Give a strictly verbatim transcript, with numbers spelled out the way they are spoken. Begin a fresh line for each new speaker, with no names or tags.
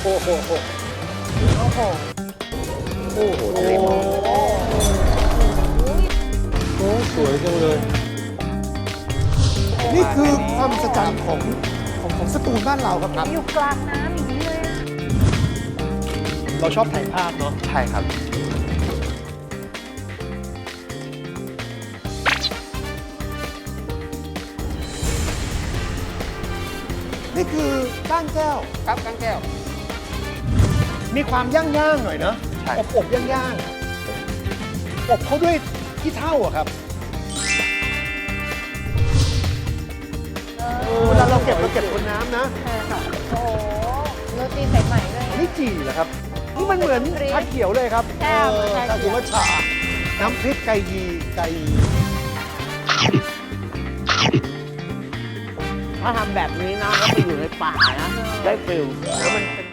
โอ้โห
โอ้โห
โอ้โหทะเลหมอกโอ้สวยจังเลย
นี่คือความมหัศจรรย์ของของของสตูลบ้านเราครับครับ
อยู่กลางน้ำอย่างนี้เลย
เราชอบถ่ายภาพเนาะ
ใช่ครับ
นี่คือก้านแก้ว
ครับก้างแก้ว
มีความย่างๆหน่อยเนาะ
ใช่
อบอบย่างๆอบเขาด้วยขี้เถ้าอะครับเวลาเราเก็บเราเก็บบนน้ำนะ
ใช่ค่ะ โอ้โหโรตีสายใหม่ด้วย
อันนี้จี่เหรอครับ นี่มันเหมือนชาเขียวเลยครับ
ใช่เหมือนชาเขียว
ถ้าถือว่าชา น้ำพริกไก่ยีไก่ยี
ถ้าทำแบบนี้นะแล้วไปอยู่ในป่านะ ได้ฟิล
แล้วมันเป็น